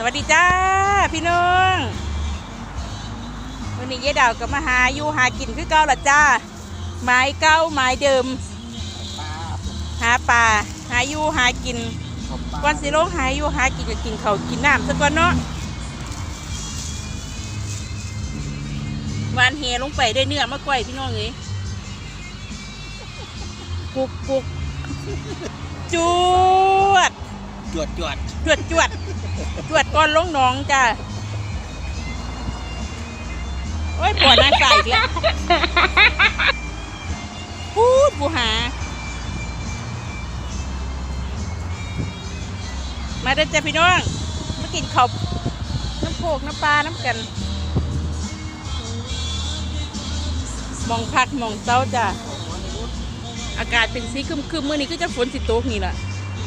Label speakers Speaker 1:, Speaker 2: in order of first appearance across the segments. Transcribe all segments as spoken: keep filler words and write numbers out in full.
Speaker 1: วัสดีจ้าพี่น้องวันนี้ยายดาวก็มาหาอยู่หากินคือเก่าละจ้าไม้เก่าไม้เดิมหาปลาหาอยู่หากินก่อนสิลงหาอยู่หากินก็กินเขากินน้ำสักก่อนเนาะวานเฮลงไปได้เนื้อมะกล้วยพี่น้องเอ้ยปุกปุกจวด
Speaker 2: จวดจวด
Speaker 1: จวดจวดจวดก่อนลงหนองจ้าโอ้ยปวดหน้าใส่อีกแล้วพูดบูหามาเด้อจ้าพี่น้องมากินข้าวน้ำโขกน้ำปลาน้ำกันมองพักมองเต้าจ้าอากาศเป็นสีคึมคึมเมื่อนี้ก็จะฝนสิตกนี่แหละ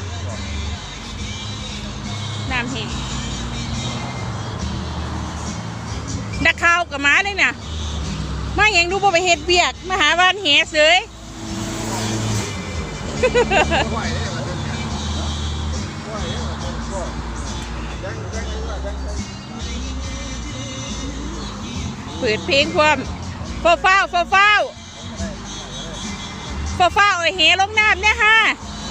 Speaker 1: น้ำแห้งนักข่าวกับม้าเลยนะมาอย่างดูบ่ไปเฮ็ดเบียกมาหาบ้านแหเสยเปิดเพลงความฟ้าฟ้าฟ้าฟ้าฟ้าฟ้าไอ้แหลงน้ำเนี่ยฮะ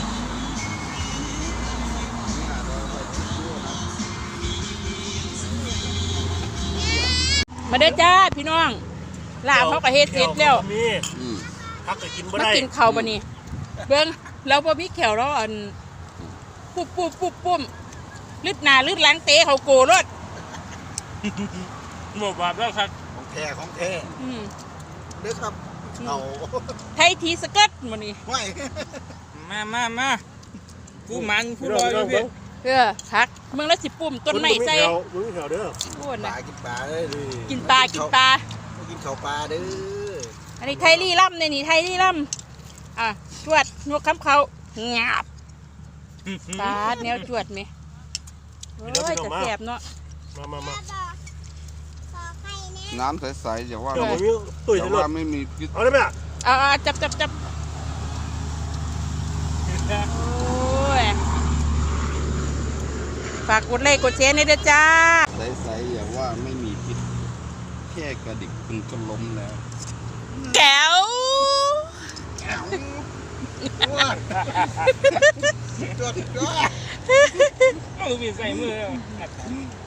Speaker 1: มาเด้อจ้าพี่น้องลาบเขาก็เฮ็ดเสร็จแล้ว
Speaker 3: พักก็กินบ่
Speaker 1: ได้มากินข้าวบ่นี่เบิ่งเราบ่มีแขวเราอันปุ๊บปุ๊บปุ๊บปุ๊บลึดหน้าลึดหลังเตะเขาโกรถ
Speaker 3: บ่บาปแล้วครับ
Speaker 2: ของแท้ของแท้อืมเด้อครับเอา
Speaker 1: ไทยทีสเกิร์ตบ่นี่
Speaker 2: ไม่
Speaker 3: มามามาผู้มันผู้ลอยพี่
Speaker 1: เออพักเมืองละสิปุ่มต้นไม้ใส่
Speaker 3: มึงแถวเด้อ
Speaker 2: ปลากินปลาเลย
Speaker 1: กินปลากินปลา
Speaker 2: กินข้าวปลาเด้อ
Speaker 1: อันนี้ไทยลี่ล่ำเนี่ยนี่ไทยลี่ล่ำอ่ะจวดนวกคำเขางาบปลาแนวจวดไหมโอ้ยจะแสบเนาะ
Speaker 3: มามามา
Speaker 4: น้ำใสๆอย่าว่า
Speaker 3: อย่า
Speaker 4: ว่าไม่มีพิษ
Speaker 3: เอาได้ไหมอ่ะ
Speaker 1: อ่าจับจับจับโอ้ยฝากกดไลค์กดแชร์ในเด้อจ้า
Speaker 4: ใสๆอย่าว่าไม่มีพิษแค่กระดิกคุณก็ล้มแล้ว
Speaker 1: แก้ว
Speaker 2: แก้วจวดจวดจวด
Speaker 3: เอามือใส่มือ